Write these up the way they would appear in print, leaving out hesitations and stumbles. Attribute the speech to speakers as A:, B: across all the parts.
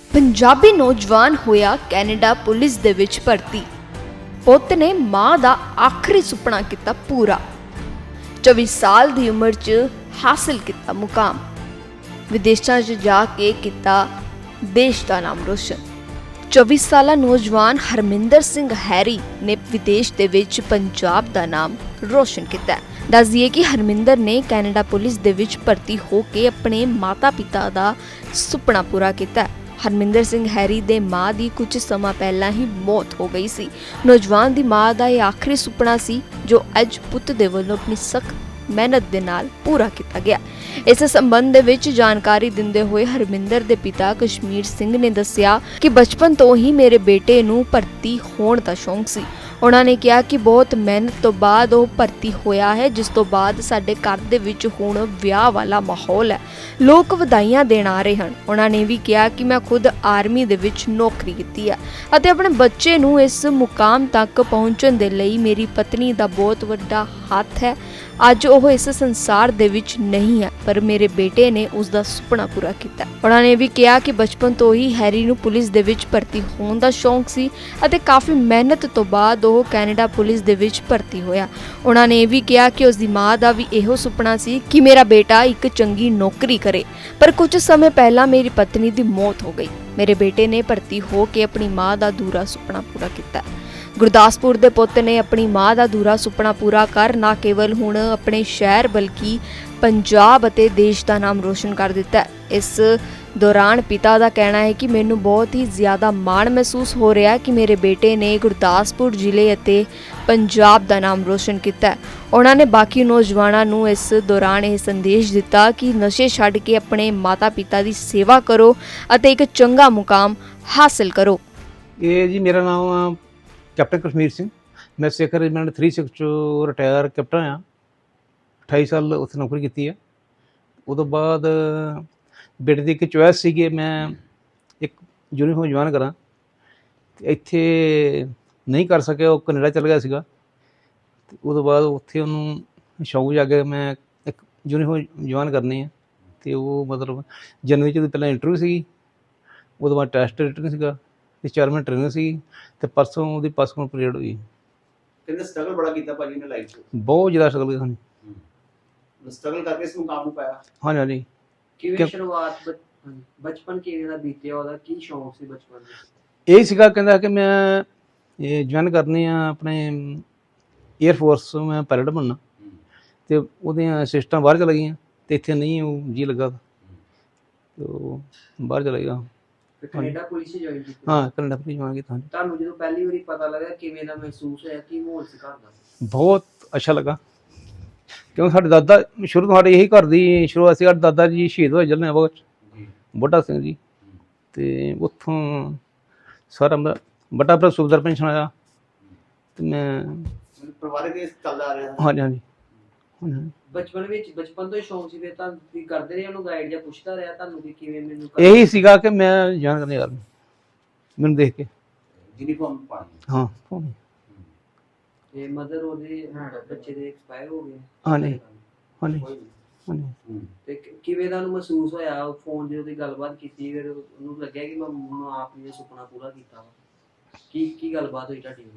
A: पंजाबी नौजवान होया Canada police दे विच भर्ती। पुत्त ने मां दा आखिरी सुपना किता पूरा। 24 साल दी उम्र च हासिल किता मुकाम। विदेशां च जाके किता देश दा नाम रोशन। 24 साला नौजवान हरमिंदर सिंह हैरी ने विदेश दे विच पंजाब दा नाम रोशन किता। दस दिए कि हरमिंदर ने कैनेडा पुलिस दे विच भर्ती होके अपने माता पिता दा सुपना पूरा किया। हरमिंदर सिंह हैरी दे मां दी कुछ समा पहला ही मौत हो गई सी। नौजवान दी मां दा यह आखिरी सुपना सी जो अज पुत्त दे वल्लों अपनी सख्त मेहनत दे नाल पूरा किया गया। इस संबंध दे विच जानकारी दिंदे हुए हरमिंदर दे पिता कश्मीर सिंह ने दस्सिया कि बचपन तो ही मेरे बेटे नूं भर्ती होण दा शौक सी। उन्होंने कहा कि बहुत मेहनत तो बाद वो भर्ती होया है, जिस तो बाद साडे घर दे विच हुण विआह वाला माहौल है, लोग वधाइयां देण आ रहे हैं। उन्होंने भी कहा कि मैं खुद आर्मी दे विच नौकरी कीती है अते अपने बच्चे नूं इस मुकाम तक पहुंचण दे लई मेरी पत्नी दा बहुत वड्डा हत्थ है। अज वो इस संसार दे विच नहीं है, पर मेरे बेटे ने उसका सुपना पूरा किया। उन्होंने भी कहा कि बचपन तो ही हैरी नूं पुलिस दे विच भर्ती होण दा शौक सी अते काफ़ी मेहनत तो बाद वो कैनेडा पुलिस दे विच भर्ती होया। उन्होंने भी कहा कि उसकी मां दा भी इहो सुपना सी कि मेरा बेटा एक चंगी नौकरी करे, पर कुछ समय पहला मेरी पत्नी दी मौत हो गई। मेरे बेटे ने भर्ती हो के अपनी मां दा अधूरा सुपना पूरा किया। गुरदासपुर दे पुत्त ने अपनी मां दा अधूरा सुपना पूरा कर ना केवल हुण अपने शहर बल्कि पंजाब अते देश का नाम रोशन कर दिता है। इस दौरान पिता का कहना है कि मैनू बहुत ही ज़्यादा माण महसूस हो रहा है कि मेरे बेटे ने गुरदासपुर जिले अते पंजाब का नाम रोशन किया। उन्होंने बाकी नौजवानों नूं इस दौरान यह संदेश दिता कि नशे छड्ड के अपने माता पिता की सेवा करो अते एक चंगा मुकाम हासिल करो।
B: ये जी मेरा नाम कैप्टन कश्मीर सिंह, मैं सिख रेजिमेंट 36 चो रिटायर कैप्टन हाँ। 28 साल उत्थे नौकरी की है। उस बाद बेटे की एक चॉइस सी कि मैं एक यूनीफॉर्म ज्वाइन करा, इत्थे नहीं कर सके, वो कनेडा चल गया सीगा। उस बाद उत्थे उन्होंने शौक जागे मैं एक यूनीफॉर्म ज्वाइन करनी है, तो वो मतलब जनवरी च पहले इंटरव्यू सी, उस बाद टैसट रिटन सीगा, 4 महीने ट्रेनिंग सी, ते परसों ਉਹਦੀ ਪਾਸਪੋਰਟ ਪੀਰੀਅਡ ਹੋਈ।
C: ਕਹਿੰਦੇ ਸਟਰਗਲ ਬੜਾ ਕੀਤਾ ਭਾਜੀ ਨੇ ਲਾਈਫ 'ਚ,
B: ਬਹੁਤ ਜ਼ਿਆਦਾ ਸਟਰਗਲ ਕੀਤਾ।
C: ਸਟਰਗਲ ਕਰਕੇ ਇਸ ਮੁਕਾਮ ਨੂੰ ਪਾਇਆ।
B: ਹਾਂਜੀ ਹਾਂਜੀ।
D: ਕਿਵੇਂ ਸ਼ੁਰੂਆਤ ਬਚਪਨ ਕਿਵੇਂ ਦਾ ਬੀਤਿਆ, ਉਹਦਾ ਕੀ ਸ਼ੌਂਕ ਸੀ ਬਚਪਨ ਦਾ?
B: ਇਹ ਸੀਗਾ ਕਹਿੰਦਾ ਕਿ ਮੈਂ ਇਹ ਜੁਆਇਨ ਕਰਨੀ ਆ ਆਪਣੇ ਏਅਰ ਫੋਰਸ, ਮੈਂ ਪਾਇਲਟ ਬਣਨਾ, ਤੇ ਉਹਦੀਆਂ ਸਿਸਟਾਂ ਬਾਹਰ ਚਲ ਗਈਆਂ ਤੇ ਇੱਥੇ ਨਹੀਂ ਉਹ ਜੀ ਲੱਗਾ, ਤੇ ਉਹ ਬਾਹਰ ਚਲਾ ਗਿਆ।
D: ਕੈਨੇਡਾ ਪੁਲਿਸ ਹੀ ਜੁਆਇਨ ਕੀਤੀ?
B: ਹਾਂ, ਕੈਨੇਡਾ ਪੁਲਿਸ ਜੁਆਇਨ ਕੀਤਾ।
D: ਤੁਹਾਨੂੰ ਜਦੋਂ ਪਹਿਲੀ ਵਾਰੀ ਪਤਾ ਲੱਗਾ ਕਿਵੇਂ ਦਾ ਮਹਿਸੂਸ ਹੋਇਆ, ਕੀ ਮਾਹੌਲ ਸੀ ਘਰ ਦਾ?
B: ਬਹੁਤ ਅੱਛਾ ਲੱਗਾ, ਕਿਉਂਕਿ ਸਾਡੇ ਦਾਦਾ ਸ਼ੁਰੂ ਤੋਂ ਸਾਡੇ ਇਹੀ ਘਰ ਦੀ ਸ਼ੁਰੂਆਤ ਸੀ। ਸਾਡੇ ਦਾਦਾ ਜੀ ਸ਼ਹੀਦ ਹੋਏ ਜਲਿਆਂਵਾਲਾ ਬਾਗ 'ਚ, ਬੁੱਢਾ ਸਿੰਘ ਜੀ, ਤੇ ਉੱਥੋਂ ਸਾਰਾ ਮੇਰਾ ਵੱਡਾ ਭਰਾ ਸੁਬੇਦਾਰ ਪੈਨਸ਼ਨ ਆਇਆ, ਤੇ ਮੈਂ
C: ਪਰਿਵਾਰਕ ਇਸ ਚੱਲਦਾ ਆ ਰਿਹਾ।
B: ਹਾਂਜੀ ਹਾਂਜੀ ਹਾਂਜੀ।
D: ਬਚਪਨ ਤੋਂ ਹੀ ਸ਼ੌਂਕ ਸੀ ਫਿਰ ਤਾਂ ਤੁਸੀਂ ਕਰਦੇ ਰਹੇ ਉਹਨੂੰ ਗਾਈਡ ਜਾਂ ਪੁੱਛਦਾ ਰਿਹਾ ਤੁਹਾਨੂੰ ਕਿ ਕਿਵੇਂ ਮੈਨੂੰ
B: ਇਹੀ ਸੀਗਾ ਕਿ ਮੈਂ ਜਾਣ ਕਰਨੀ ਯਾਰ, ਮੈਨੂੰ ਦੇਖ ਕੇ
C: ਯੂਨੀਫਾਰਮ ਪਾਣੀ।
B: ਹਾਂ ਪਾਉਣੀ।
D: ਤੇ ਮਦਰ ਉਹਦੇ ਬੱਚੇ ਦੇ ਐਕਸਪਾਇਰ ਹੋ ਗਏ?
B: ਹਾਂਜੀ ਹਾਂਜੀ ਹਾਂਜੀ।
D: ਤੇ ਕਿਵੇਂ ਦਾ ਉਹਨੂੰ ਮਹਿਸੂਸ ਹੋਇਆ? ਫੋਨ ਤੇ ਉਹਦੀ ਗੱਲਬਾਤ ਕੀਤੀ, ਫਿਰ ਉਹਨੂੰ ਲੱਗਿਆ ਕਿ ਮੈਂ ਆਪਣੀ ਸੁਪਨਾ ਪੂਰਾ ਕੀਤਾ ਵਾ? ਕੀ ਗੱਲਬਾਤ ਹੋਈ ਤੁਹਾਡੀ?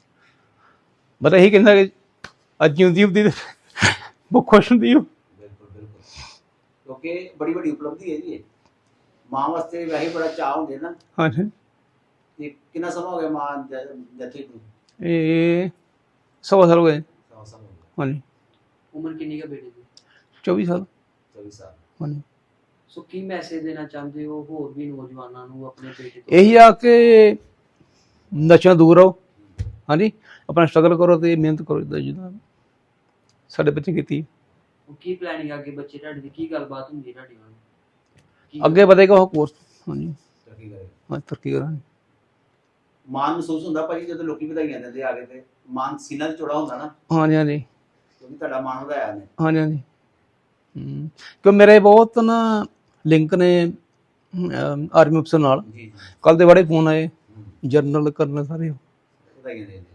B: ਬਸ ਇਹੀ ਕਹਿੰਦਾ ਕਿ ਅੱਜ ਜਿਉਂਦੀ ਹੁੰਦੀ ਤੇ ਬਹੁਤ ਖੁਸ਼ ਹੁੰਦੀ ਉਹ।
C: ਬਿਲਕੁਲ ਬਿਲਕੁਲ, ਕਿਉਂਕਿ ਬੜੀ ਵੱਡੀ ਉਪਲਬਧੀ ਹੈ ਜੀ ਇਹ। ਮਾਂ ਵਾਸਤੇ ਵੈਸੇ ਬੜਾ ਚਾਅ ਹੁੰਦੇ ਨਾ।
B: ਹਾਂਜੀ।
C: ਤੇ ਕਿੰਨਾ ਸਮਾਂ ਹੋ ਗਿਆ ਮਾਂ ਡੈਥ ਹੋਈ?
B: ਇਹ 100 ਸਾਲ ਹੋ ਗਏ।
C: 100 ਸਾਲ ਹੋ ਗਏ।
B: ਹਾਂਜੀ।
D: ਉਮਰ ਕਿੰਨੀ ਹੈ ਬੇਟੇ ਦੀ?
B: 24 ਸਾਲ।
C: 24 ਸਾਲ।
B: ਹਾਂਜੀ।
D: ਸੋ ਕੀ ਮੈਸੇਜ ਦੇਣਾ ਚਾਹੁੰਦੇ ਹੋ ਹੋਰ ਵੀ ਨੌਜਵਾਨਾਂ ਨੂੰ ਆਪਣੇ ਬੇਟੇ ਤੋਂ?
B: ਇਹੀ ਆ ਕਿ ਨਸ਼ਿਆਂ ਦੂਰ ਰਹੋ। ਹਾਂਜੀ, ਆਪਣਾ ਸਟਰਗਲ ਕਰੋ ਤੇ ਮਿਹਨਤ ਕਰੋ, ਜਿੱਦਾਂ ਸਾਡੇ ਬੱਚੇ ਕੀਤੀ।
D: ਕੀ ਪਲੈਨਿੰਗ ਅੱਗੇ ਬੱਚੇ ਤੁਹਾਡੇ ਦੀ, ਕੀ ਗੱਲਬਾਤ ਹੁੰਦੀ ਹੈ ਤੁਹਾਡੀ ਨਾਲ?
B: ਅੱਗੇ ਵਧੇਗਾ ਉਹ ਕੋਰਸ। ਹਾਂਜੀ,
C: ਤਰੱਕੀ ਕਰੇ।
B: ਹਾਂ ਤਰੱਕੀ ਕਰਾਂਗੇ।
C: ਮਾਣ ਮਹਿਸੂਸ ਹੁੰਦਾ ਭਾਜੀ ਜਦੋਂ ਲੋਕੀ ਵਧਾਈਆਂ ਦਿੰਦੇ ਆ ਕੇ, ਤੇ ਮਾਣ ਸੀਨਾ ਤੇ ਚੌੜਾ ਹੁੰਦਾ ਨਾ।
B: ਹਾਂਜੀ ਹਾਂਜੀ
C: ਕਿਉਂਕਿ ਤੁਹਾਡਾ ਮਾਣ ਵਧਾਇਆ ਨੇ।
B: ਹਾਂਜੀ ਹਾਂਜੀ। ਕਿਉਂ ਮੇਰੇ ਬਹੁਤ ਨਾ ਲਿੰਕ ਨੇ ਆਰਮੀ ਅਫਸਰ ਨਾਲ।
C: ਜੀ ਜੀ।
B: ਕੱਲ੍ਹ ਦੇ ਬੜੇ ਫੋਨ ਆਏ, ਜਰਨਲ ਕਰਨਲ ਸਾਰੇ
C: ਵਧਾਈਆਂ ਦੇ